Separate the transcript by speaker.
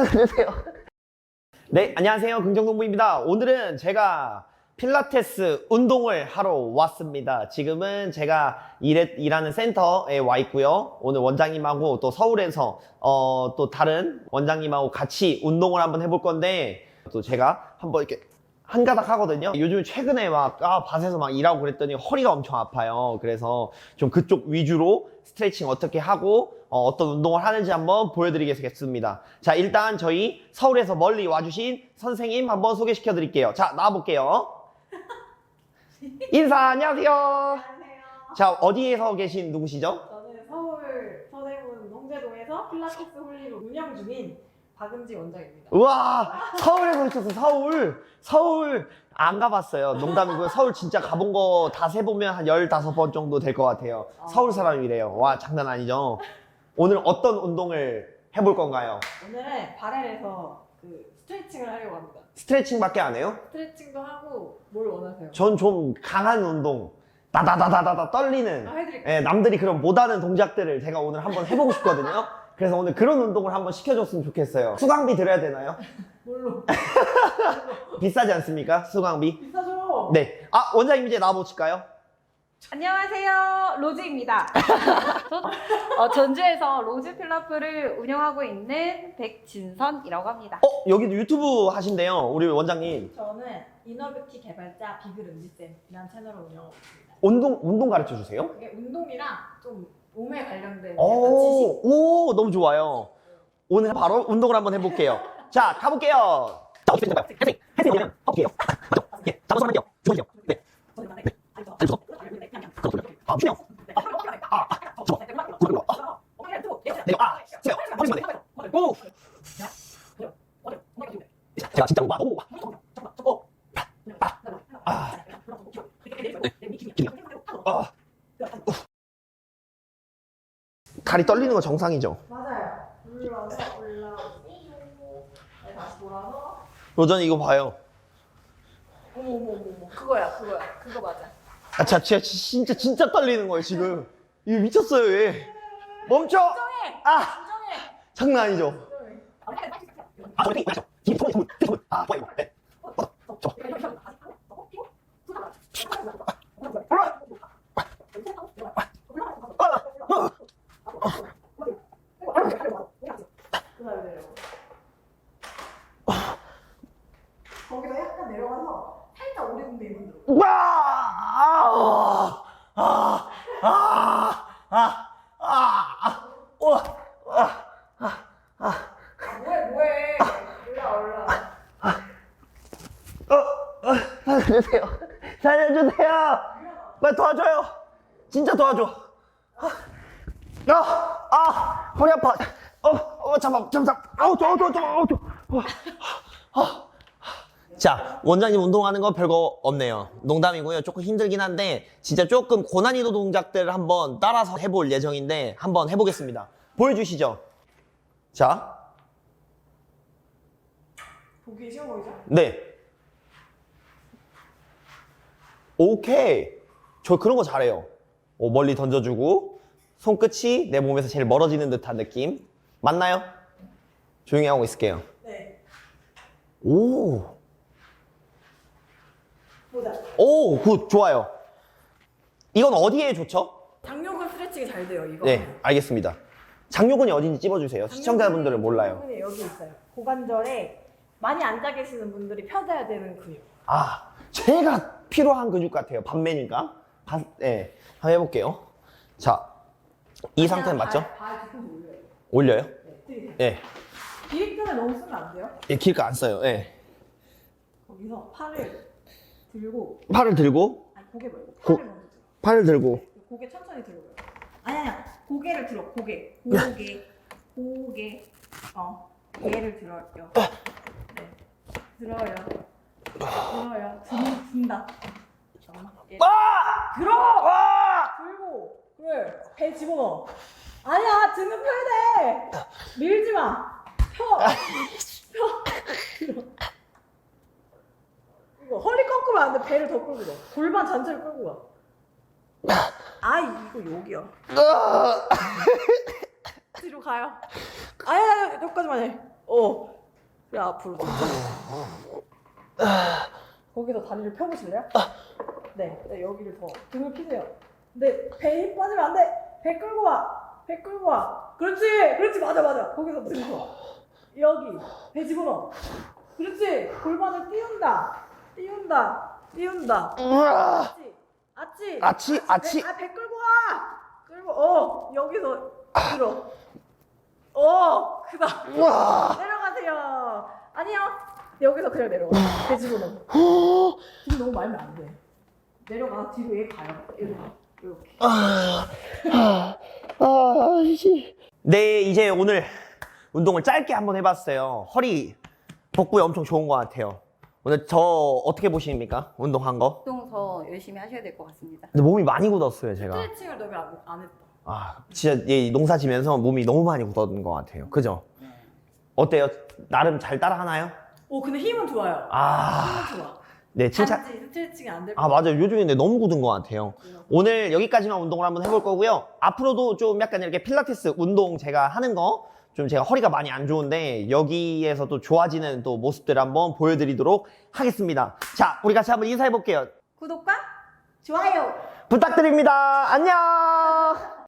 Speaker 1: 안녕하세요. 네, 안녕하세요. 긍정동부입니다. 오늘은 제가 필라테스 운동을 하러 왔습니다. 지금은 제가 일하는 센터에 와 있고요. 오늘 원장님하고 또 서울에서 또 다른 원장님하고 같이 운동을 한번 해볼 건데, 또 제가 한번 이렇게 한가닥 하거든요. 요즘 최근에 막 밭에서 막 일하고 그랬더니 허리가 엄청 아파요. 그래서 좀 그쪽 위주로 스트레칭 어떻게 하고 어떤 운동을 하는지 한번 보여드리겠습니다. 자, 일단 저희 서울에서 멀리 와주신 선생님 한번 소개시켜 드릴게요. 자, 나와볼게요. 인사, 안녕하세요.
Speaker 2: 안녕하세요.
Speaker 1: 자, 어디에서 계신 누구시죠?
Speaker 2: 저는 서울 서대문 홍제동에서 필라테스 홀리로 운영 중인 박은지 원장입니다.
Speaker 1: 우와, 서울에서 오셨어. 서울 안 가봤어요. 농담이고요. 서울 진짜 가본 거 다 세보면 한 15번 정도 될 것 같아요. 서울 사람이래요. 와, 장난 아니죠? 오늘 어떤 운동을 해볼 건가요?
Speaker 2: 오늘은 바렐에서 스트레칭을 하려고 합니다.
Speaker 1: 스트레칭밖에 안 해요?
Speaker 2: 스트레칭도 하고 뭘 원하세요?
Speaker 1: 전 좀 강한 운동, 다다다다다다 떨리는,
Speaker 2: 해드릴게요.
Speaker 1: 예, 남들이 그럼 못하는 동작들을 제가 오늘 한번 해보고 싶거든요. 그래서 오늘 그런 운동을 한번 시켜줬으면 좋겠어요. 수강비 드려야 되나요?
Speaker 2: 뭘로?
Speaker 1: 비싸지 않습니까? 수강비?
Speaker 2: 비싸죠?
Speaker 1: 네. 아, 원장님 이제 나와보실까요?
Speaker 3: 안녕하세요, 로즈입니다. 전주에서 로즈 필라프를 운영하고 있는 백진선이라고 합니다.
Speaker 1: 여기도 유튜브 하신대요, 우리 원장님.
Speaker 2: 저는 이너뷰티 개발자 비글은지쌤이라는 채널을 운영하고 있습니다.
Speaker 1: 운동 가르쳐 주세요?
Speaker 2: 그게 운동이랑 좀 몸에 관련된 약간 지식?
Speaker 1: 오, 너무 좋아요. 오늘 바로 운동을 한번 해볼게요. 자, 가볼게요. 자, 어떻게 될까요? 헬스 그냥 허벅지예요. 맞죠? 예, 잡아서 하면 돼요. 주머니요. 네. 안 주워. 그거 돌려. 주세요. 주워. 그리고 내려. 세요. 허리만 돼. 오. 제가 진짜 다리 떨리는 거 정상이죠?
Speaker 2: 맞아요. 올라오고 네, 다시 돌아서
Speaker 1: 로전이 이거 봐요.
Speaker 2: 어머 그거야 그거 맞아.
Speaker 1: 진짜 떨리는 거예요, 지금. 이거 미쳤어요, 얘. 멈춰! 아! 장난 아니죠? 저기, 맞죠? 뒤에 손. 좋아요. 네.
Speaker 2: 거기서 약간 내려가서 살짝 오리궁뎅이 만들어. 뭐해 올라
Speaker 1: 살려주세요. 빨리 도와줘요. 진짜 도와줘. 허리 아파. 잠깐. 자, 원장님 운동하는 거 별거 없네요. 농담이고요. 조금 힘들긴 한데 진짜 조금 고난이도 동작들을 한번 따라서 해볼 예정인데 한번 해보겠습니다. 보여주시죠. 자,
Speaker 2: 보기 쉬워 보이죠?
Speaker 1: 네. 오케이. 저 그런 거 잘해요. 멀리 던져주고 손끝이 내 몸에서 제일 멀어지는 듯한 느낌. 맞나요? 조용히 하고 있을게요.
Speaker 2: 네. 보자.
Speaker 1: 굿, 좋아요. 이건 어디에 좋죠?
Speaker 2: 장요근 스트레칭이 잘 돼요 이거.
Speaker 1: 네, 알겠습니다. 장요근이 어딘지 찝어주세요. 시청자분들은 몰라요.
Speaker 2: 장요근이 여기 있어요. 고관절에 많이 앉아 계시는 분들이 펴져야 되는 근육.
Speaker 1: 제가 필요한 근육 같아요. 밤매니까. 네, 한번 해볼게요. 자, 이 상태는 맞죠?
Speaker 2: 발 뒤꿈치 올려요.
Speaker 1: 올려요?
Speaker 2: 네, 들이대요.
Speaker 1: 네.
Speaker 2: 비립근을 너무 쓰면 안 돼요.
Speaker 1: 길가 안 써요. 네.
Speaker 2: 거기서 팔을 들고,
Speaker 1: 팔을 들고,
Speaker 2: 아니 고개 말고
Speaker 1: 고-
Speaker 2: 팔을 먼저 들어.
Speaker 1: 팔을 들고.
Speaker 2: 고개 천천히 들어요. 아니야, 고개를 들어. 고개. 얘를 들어요. 네, 들어요. 든다. 잠깐만. 들어. 들고. 그래. 배 집어넣어. 아니야, 등은 펴야 돼. 밀지 마. 펴. 들어. 이거 허리 꺾으면 안 돼. 배를 더 끌고 가. 골반 전체를 끌고 가. 이거 여기야. 뒤로 가요. 아야, 여기까지만 해. 야, 앞으로 천천히. 거기서 다리를 펴보실래요? 네, 네, 여기를 더 등을 피세요. 근데 배에 힘 빠지면 안 돼. 배 끌고 와. 배 끌고 와. 그렇지, 그렇지, 맞아, 맞아. 거기서 들고 여기 배 집어넣어. 그렇지, 골반을 띄운다, 띄운다, 띄운다. 아치, 아치,
Speaker 1: 아치.
Speaker 2: 배 끌고 와. 끌고, 여기서 들어. 그다음 내려가세요. 아니요, 여기서 그냥 내려가. 배 집어넣어. 뒤로 너무 말면 안 돼. 내려가, 뒤로 얘 가요. 얘로 가. 이렇게.
Speaker 1: 네, 이제 오늘 운동을 짧게 한번 해봤어요. 허리 복부에 엄청 좋은 것 같아요. 오늘 저 어떻게 보십니까? 운동한 거?
Speaker 3: 운동 더 열심히 하셔야 될 것 같습니다.
Speaker 1: 근데 몸이 많이 굳었어요, 제가.
Speaker 2: 스트레칭을 너무 안 했다.
Speaker 1: 진짜 이 농사 지면서 몸이 너무 많이 굳었는 것 같아요. 그죠? 어때요? 나름 잘 따라 하나요?
Speaker 2: 근데 힘은 좋아요. 힘은 좋아.
Speaker 1: 네, 칭찬.
Speaker 2: 단지 스트레칭이 안 될
Speaker 1: 맞아요. 요즘에 근데 너무 굳은 것 같아요. 오늘 여기까지만 운동을 한번 해볼 거고요. 앞으로도 좀 약간 이렇게 필라테스 운동 제가 하는 거, 좀 제가 허리가 많이 안 좋은데, 여기에서 또 좋아지는 또 모습들을 한번 보여드리도록 하겠습니다. 자, 우리 같이 한번 인사해 볼게요.
Speaker 3: 구독과 좋아요
Speaker 1: 부탁드립니다. 안녕!